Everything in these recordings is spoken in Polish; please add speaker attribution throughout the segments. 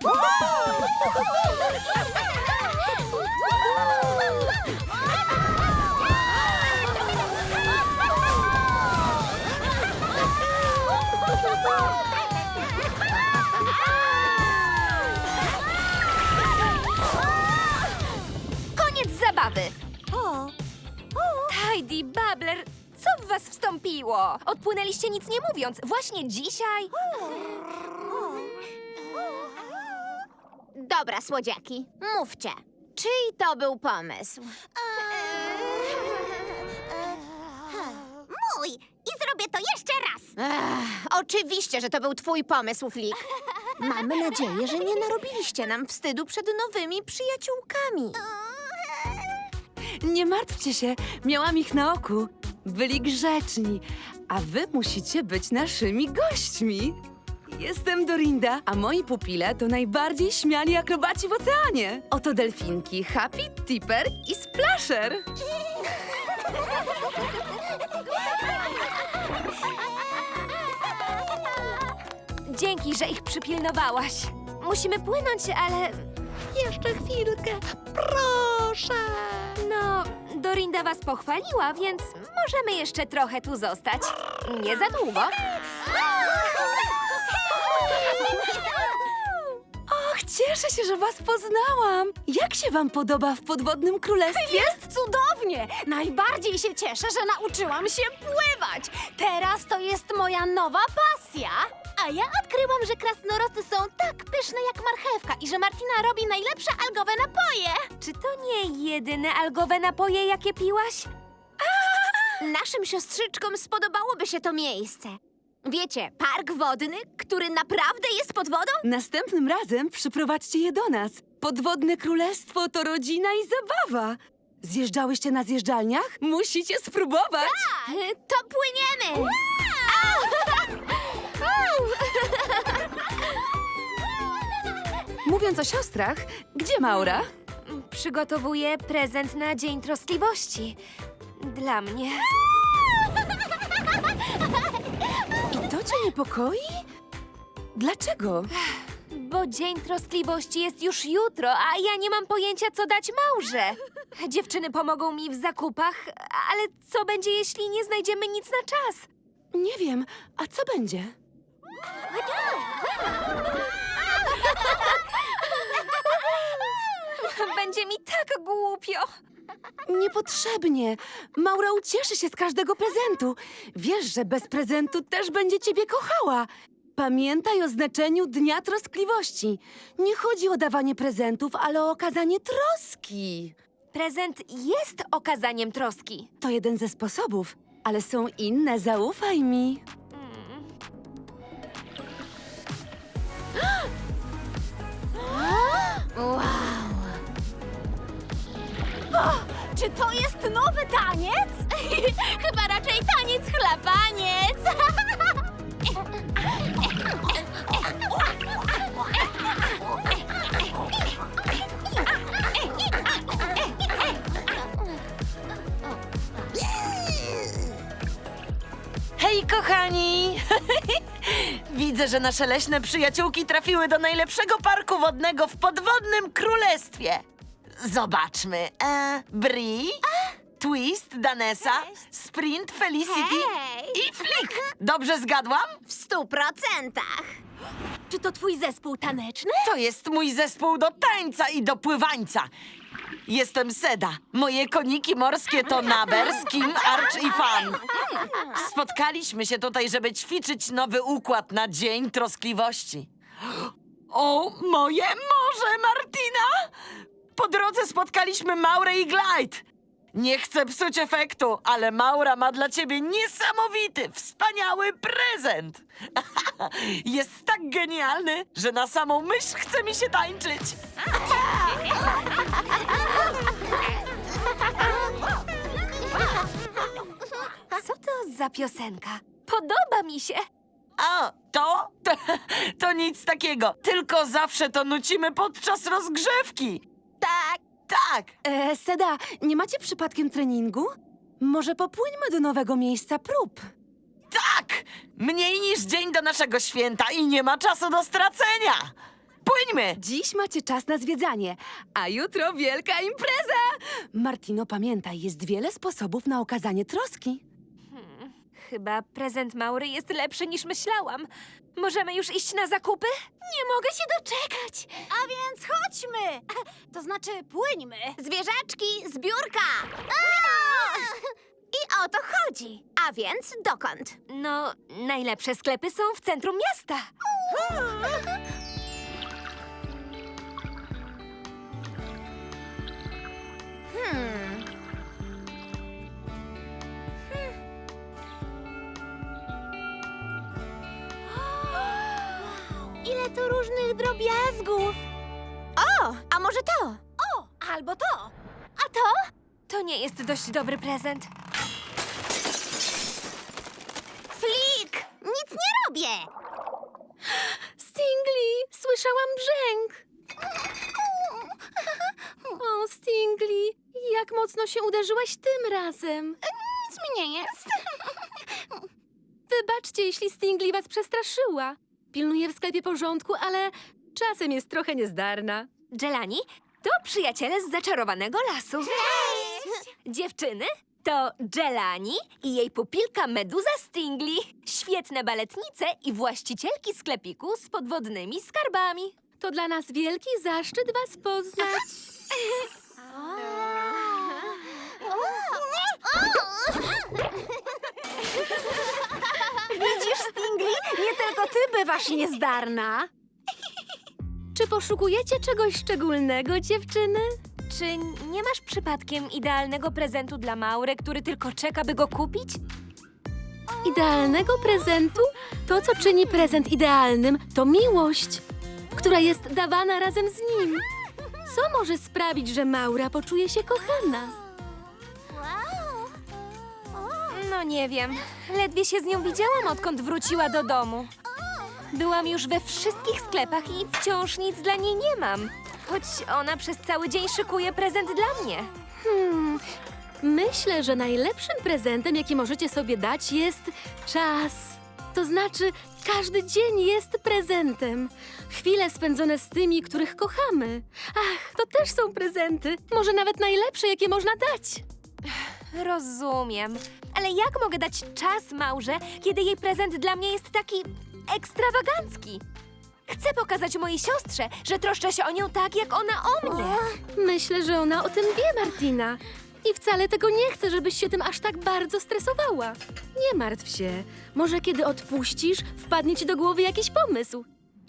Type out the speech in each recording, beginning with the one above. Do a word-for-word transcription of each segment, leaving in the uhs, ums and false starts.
Speaker 1: Koniec zabawy. Tidy, Babbler, co w was wstąpiło? Odpłynęliście nic nie mówiąc. Właśnie dzisiaj?
Speaker 2: Dobra, słodziaki, mówcie. Czyj to był pomysł? Mój! I zrobię to jeszcze raz! Ech, oczywiście, że to był twój pomysł, Flik. Mamy nadzieję, że nie narobiliście nam wstydu przed nowymi przyjaciółkami.
Speaker 3: Nie martwcie się, miałam ich na oku. Byli grzeczni, a wy musicie być naszymi gośćmi. Jestem Dorinda, a moi pupile to najbardziej śmiali akrobaci w oceanie. Oto delfinki Happy, Tipper i Splasher.
Speaker 1: Dzięki, że ich przypilnowałaś. Musimy płynąć, ale...
Speaker 2: Jeszcze chwilkę, proszę.
Speaker 1: No, Dorinda was pochwaliła, więc możemy jeszcze trochę tu zostać. Nie za długo.
Speaker 3: Och, cieszę się, że was poznałam. Jak się wam podoba w Podwodnym Królestwie?
Speaker 4: Jest cudownie! Najbardziej się cieszę, że nauczyłam się pływać. Teraz to jest moja nowa pasja. A ja odkryłam, że krasnoroty są tak pyszne jak marchewka i że Martina robi najlepsze algowe napoje.
Speaker 1: Czy to nie jedyne algowe napoje, jakie piłaś?
Speaker 2: Naszym siostrzyczkom spodobałoby się to miejsce. Wiecie, park wodny, który naprawdę jest pod wodą?
Speaker 3: Następnym razem przyprowadźcie je do nas. Podwodne Królestwo to rodzina i zabawa. Zjeżdżałyście na zjeżdżalniach? Musicie spróbować.
Speaker 2: To płyniemy!
Speaker 3: Mówiąc o siostrach, gdzie Maura?
Speaker 1: Przygotowuję prezent na Dzień Troskliwości. Dla mnie.
Speaker 3: I to cię niepokoi? Dlaczego?
Speaker 1: Bo Dzień Troskliwości jest już jutro, a ja nie mam pojęcia, co dać Maurze. Dziewczyny pomogą mi w zakupach, ale co będzie, jeśli nie znajdziemy nic na czas?
Speaker 3: Nie wiem, a co będzie?
Speaker 1: Będzie mi tak głupio.
Speaker 3: Niepotrzebnie. Maura ucieszy się z każdego prezentu. Wiesz, że bez prezentu też będzie ciebie kochała. Pamiętaj o znaczeniu Dnia Troskliwości. Nie chodzi o dawanie prezentów, ale o okazanie troski.
Speaker 1: Prezent jest okazaniem troski.
Speaker 3: To jeden ze sposobów, ale są inne, zaufaj mi.
Speaker 2: Wow!
Speaker 4: Czy to jest nowy taniec? Chyba raczej taniec chlapaniec.
Speaker 5: Hej, kochani! Widzę, że nasze leśne przyjaciółki trafiły do najlepszego parku wodnego w Podwodnym Królestwie. Zobaczmy. E, Bri, Twist, Danessa, Sprint, Felicity
Speaker 2: Hej!
Speaker 5: i Flik. Dobrze zgadłam?
Speaker 2: W stu procentach.
Speaker 4: Czy to twój zespół taneczny?
Speaker 5: To jest mój zespół do tańca i do pływańca. Jestem Seda. Moje koniki morskie to Naber, Skim, Arch i Fan. Spotkaliśmy się tutaj, żeby ćwiczyć nowy układ na Dzień Troskliwości. O, moje morze, Martina! Po drodze spotkaliśmy Maurę i Glide. Nie chcę psuć efektu, ale Maura ma dla ciebie niesamowity, wspaniały prezent. Jest tak genialny, że na samą myśl chce mi się tańczyć.
Speaker 1: Co to za piosenka? Podoba mi się.
Speaker 5: A, to? to? To nic takiego, tylko zawsze to nucimy podczas rozgrzewki.
Speaker 2: Tak.
Speaker 5: Tak,
Speaker 3: E, Seda, nie macie przypadkiem treningu? Może popłyńmy do nowego miejsca prób.
Speaker 5: tak! Mniej niż dzień do naszego święta i nie ma czasu do stracenia. Płyńmy!
Speaker 3: Dziś macie czas na zwiedzanie, a jutro wielka impreza! Martino, pamiętaj, jest wiele sposobów na okazanie troski.
Speaker 1: Chyba prezent Maury jest lepszy niż myślałam. Możemy już iść na zakupy?
Speaker 4: Nie mogę się doczekać. A więc chodźmy. To znaczy płyńmy.
Speaker 2: Zwierzaczki, zbiórka! I o to chodzi. A więc dokąd?
Speaker 1: No, najlepsze sklepy są w centrum miasta.
Speaker 2: Hmm.
Speaker 4: Ile tu różnych drobiazgów.
Speaker 2: O, a może to?
Speaker 4: O, albo to. A to?
Speaker 1: To nie jest dość dobry prezent.
Speaker 2: Flik! Nic nie robię!
Speaker 4: Stingli, słyszałam brzęk. O, Stingli, jak mocno się uderzyłaś tym razem.
Speaker 2: Nic mi nie jest.
Speaker 4: Wybaczcie, jeśli Stingli was przestraszyła. Pilnuję w sklepie porządku, ale czasem jest trochę niezdarna.
Speaker 1: Jelani to przyjaciele z zaczarowanego lasu. Dziewczyny, to Jelani i jej pupilka Meduza Stingli. Świetne baletnice i właścicielki sklepiku z podwodnymi skarbami.
Speaker 4: To dla nas wielki zaszczyt was poznać. Widzisz, Stingli? Nie tylko ty bywasz niezdarna. Czy poszukujecie czegoś szczególnego, dziewczyny?
Speaker 1: Czy nie masz przypadkiem idealnego prezentu dla Maury, który tylko czeka, by go kupić?
Speaker 4: Idealnego prezentu? To, co czyni prezent idealnym, to miłość, która jest dawana razem z nim. Co może sprawić, że Maura poczuje się kochana?
Speaker 1: No nie wiem. Ledwie się z nią widziałam, odkąd wróciła do domu. Byłam już we wszystkich sklepach i wciąż nic dla niej nie mam. Choć ona przez cały dzień szykuje prezent dla mnie.
Speaker 4: Hmm, myślę, że najlepszym prezentem, jaki możecie sobie dać, jest czas. To znaczy, każdy dzień jest prezentem. Chwile spędzone z tymi, których kochamy. Ach, to też są prezenty. Może nawet najlepsze, jakie można dać.
Speaker 1: Rozumiem. Ale jak mogę dać czas Maurze, kiedy jej prezent dla mnie jest taki ekstrawagancki? Chcę pokazać mojej siostrze, że troszczę się o nią tak, jak ona o mnie.
Speaker 4: Myślę, że ona o tym wie, Martina. I wcale tego nie chce, żebyś się tym aż tak bardzo stresowała. Nie martw się. Może kiedy odpuścisz, wpadnie ci do głowy jakiś pomysł.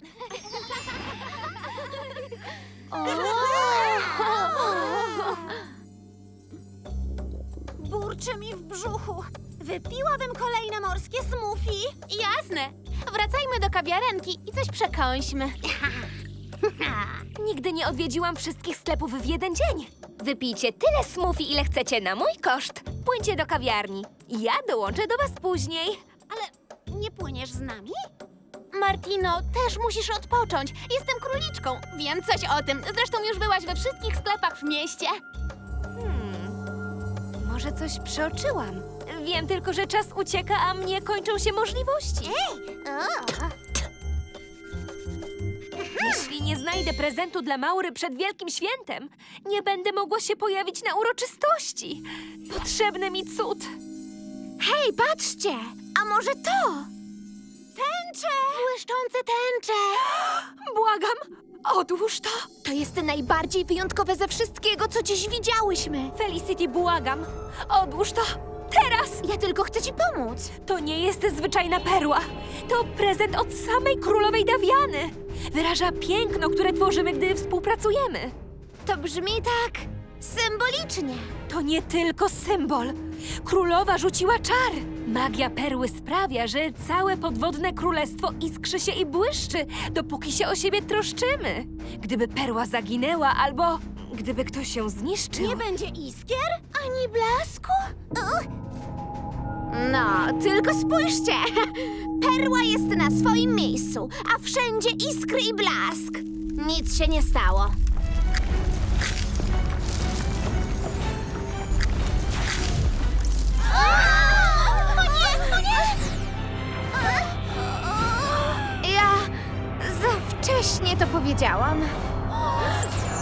Speaker 6: Burczy mi w brzuchu. Wypiłabym kolejne morskie smoothie. Jasne. Wracajmy do kawiarenki i coś przekąśmy.
Speaker 1: Nigdy nie odwiedziłam wszystkich sklepów w jeden dzień. Wypijcie tyle smoothie, ile chcecie na mój koszt. Płyńcie do kawiarni. Ja dołączę do was później.
Speaker 6: Ale nie płyniesz z nami? Martino, też musisz odpocząć. Jestem króliczką. Wiem coś o tym. Zresztą już byłaś we wszystkich sklepach w mieście.
Speaker 1: Może coś przeoczyłam. Wiem tylko, że czas ucieka, a mnie kończą się możliwości. Jeśli nie znajdę prezentu dla Maury przed Wielkim Świętem, nie będę mogła się pojawić na uroczystości. Potrzebny mi cud.
Speaker 2: Hej, patrzcie! A może to?
Speaker 6: Tęcze! Błyszczące tęcze!
Speaker 1: Błagam, odłóż to.
Speaker 2: To jest najbardziej wyjątkowe ze wszystkiego, co dziś widziałyśmy.
Speaker 1: Felicity, błagam, odłóż to. Teraz!
Speaker 2: Ja tylko chcę ci pomóc.
Speaker 1: To nie jest zwyczajna perła. To prezent od samej królowej Dawiany. Wyraża piękno, które tworzymy, gdy współpracujemy.
Speaker 2: To brzmi tak symbolicznie.
Speaker 1: To nie tylko symbol. Królowa rzuciła czar. Magia perły sprawia, że całe podwodne królestwo iskrzy się i błyszczy, dopóki się o siebie troszczymy. Gdyby perła zaginęła albo gdyby ktoś ją zniszczył...
Speaker 6: Nie będzie iskier? Ani blasku?
Speaker 2: No, tylko spójrzcie. Perła jest na swoim miejscu, a wszędzie iskry i blask. Nic się nie stało.
Speaker 6: O nie, o nie!
Speaker 2: Ja zawsze Wcześnie to powiedziałam.